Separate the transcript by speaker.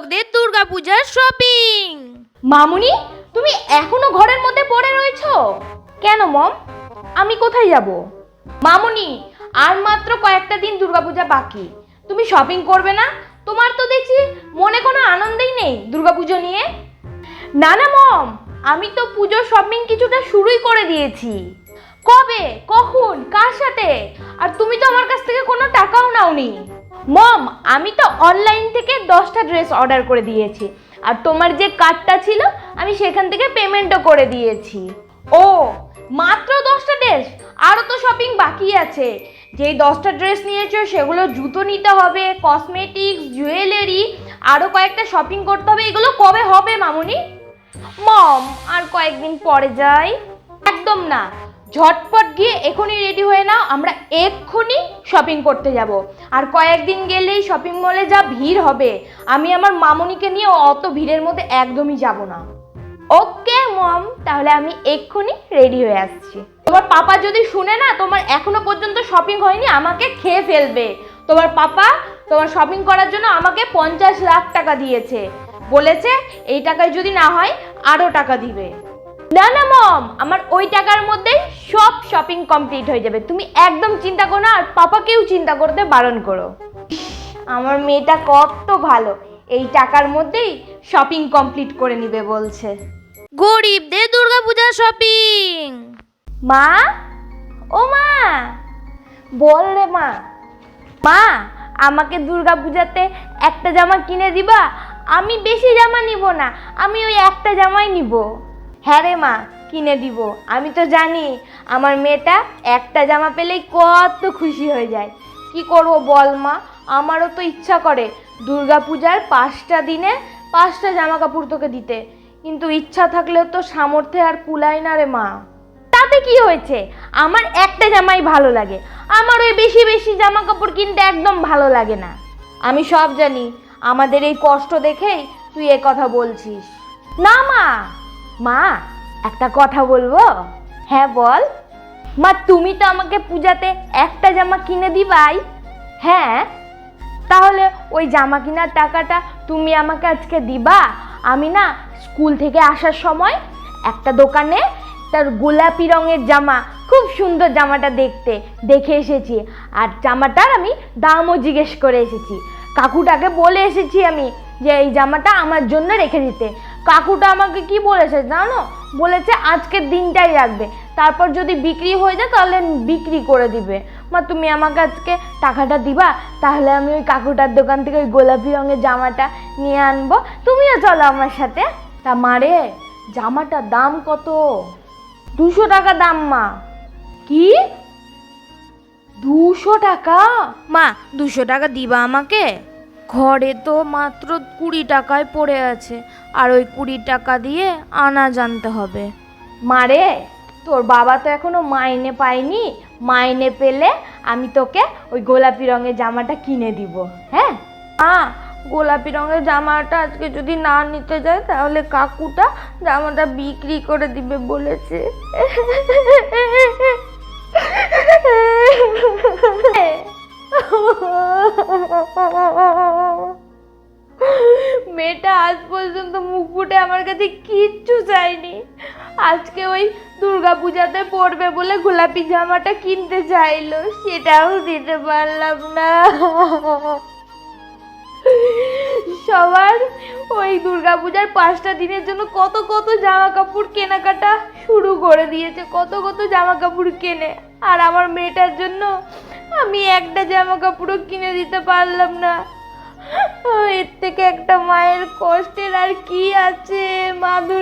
Speaker 1: দর্শকদের দুর্গাপূজার শপিং।
Speaker 2: মামুনি, তুমি এখনো ঘরের মধ্যে পড়ে রয়েছো কেন? মম, আমি কোথায় যাব? মামুনি, আর মাত্র কয়েকটা দিন দুর্গাপূজা বাকি, তুমি শপিং করবে না? তোমার তো দেখছি মনে কোনো আনন্দই নেই দুর্গাপুজো নিয়ে। না না মম, আমি তো পুজোর শপিং কিছুটা শুরুই করে দিয়েছি। কবে, কখন, কার সাথে? আর তুমি তো আমার কাছ থেকে কোনো টাকাও নাওনি। মম, আমি তো অনলাইন থেকে 10টা ড্রেস অর্ডার করে দিয়েছি, আর তোমার যে কার্ডটা ছিল আমি সেখান থেকে পেমেন্টও করে দিয়েছি। ও, মাত্র 10টা ড্রেস? আরও তো শপিং বাকি আছে। যেই 10টা ড্রেস নিয়েছো সেগুলো জুতো নিতে হবে, কসমেটিক্স, জুয়েলারি, আরও কয়েকটা শপিং করতে হবে। এগুলো কবে হবে মামুনি? মম, আর কয়েকদিন পরে যাই। একদম না, ঝটপট গিয়ে এখনই রেডি হয়ে নাও, আমরা এক্ষুনি শপিং করতে যাব। আর কয়েকদিন গেলেই শপিং মলে যা ভিড় হবে, আমি আমার মামুনিকে নিয়ে অত ভিড়ের মধ্যে একদমই যাব না। ওকে মম, তাহলে আমি এক্ষুনি রেডি হয়ে আসছি। তোমার পাপা যদি শুনে না তোমার এখনো পর্যন্ত শপিং হয়নি, আমাকে খেয়ে ফেলবে। তোমার পাপা তোমার শপিং করার জন্য আমাকে 50 লাখ টাকা দিয়েছে, বলেছে এই টাকায় যদি না হয় আরও টাকা দিবে। না না মম, আমার ওই টাকার মধ্যেই সব শপিং কমপ্লিট হয়ে যাবে, তুমি একদম চিন্তা করো না। আর পাপাকেও চিন্তা করতে বারণ করো। আমার মেয়েটা কত ভালো, এই টাকার মধ্যেই শপিং কমপ্লিট করে নিবে বলছে।
Speaker 1: গরিবদের দুর্গাপূজার শপিং।
Speaker 2: মা, ও মা, বল রে মা। মা, আমাকে দুর্গাপূজাতে একটা জামা কিনে দিবা? আমি বেশি জামা নিব না, আমি ওই একটা জামাই নিব। হ্যাঁ রে মা, কিনে দিব। আমি তো জানি আমার মেয়েটা একটা জামা পেলেই কত খুশি হয়ে যায়। কি করব বল মা, আমারও তো ইচ্ছা করে দুর্গাপূজার 5টা দিনে 5টা জামা কাপড় তোকে দিতে, কিন্তু ইচ্ছা থাকলেও তো সামর্থ্যে আর কুলায় না রে মা। তাতে কি হয়েছে, আমার একটা জামাই ভালো লাগে, আমার ওই বেশি বেশি জামা কাপড় কিনতে একদম ভালো লাগে না। আমি সব জানি, আমাদের এই কষ্ট দেখেই তুই এ কথা বলছিস। না মা, মা একটা কথা বলবো? হ্যাঁ বল। মা, তুমি তো আমাকে পূজাতে একটা জামা কিনে দিবাই। হ্যাঁ, তাহলে ওই জামা কেনার টাকাটা তুমি আমাকে আজকে দিবা। আমি না স্কুল থেকে আসার সময় একটা দোকানে তার গোলাপি রঙের জামা, খুব সুন্দর জামাটা দেখে এসেছি, আর জামাটার আমি দামও জিজ্ঞেস করে এসেছি। কাকুটাকে বলে এসেছি আমি যে এই জামাটা আমার জন্য রেখে দিতে। কাকুটা আমাকে কি বলেছে জানো? বলেছে আজকের দিনটাই রাখবে, তারপর যদি বিক্রি হয়ে যায় তাহলে বিক্রি করে দিবে। মা, তুমি আমাকে আজকে টাকাটা দিবা, তাহলে আমি ওই কাকুটার দোকান থেকে ওই গোলাপি রঙের জামাটা নিয়ে আনবো। তুমিও চলো আমার সাথে। তা মারে, জামাটার দাম কত? 200 টাকা দাম মা। কি, 200 টাকা?
Speaker 1: মা, 200 টাকা দিবা আমাকে? ঘরে তো মাত্র 20 টাকায় পড়ে আছে, আর ওই 20 টাকা দিয়ে আনা জানতে হবে।
Speaker 2: মারে, তোর বাবা তো এখনো মাইনে পায়নি, মাইনে পেলে আমি তোকে ওই গোলাপি রঙের জামাটা কিনে দিব। হ্যাঁ গোলাপি রঙের জামাটা আজকে যদি না নিতে যায় তাহলে কাকুটা জামাটা বিক্রি করে দিবে বলেছে। মেয়েটা আজ পর্যন্ত মুখ ফুটে আমার কাছে কিচ্ছু চাইনি, আজকে ওই দুর্গাপূজাতে পরবে বলে গোলাপি জামাটা কিনতে চাইলো, সেটাও দিতে পারলাম না। সবার ওই দুর্গাপূজার 5টা দিনের জন্য কত কত জামা কাপড় কেনাকাটা শুরু করে দিয়েছে, কত কত জামা কাপড় কেনে, আর আমার মেয়েটার জন্য আমি একটা জামা কাপড়ও কিনে দিতে পারলাম না। এর থেকে একটা মায়ের কষ্টের আর কি আছে? মা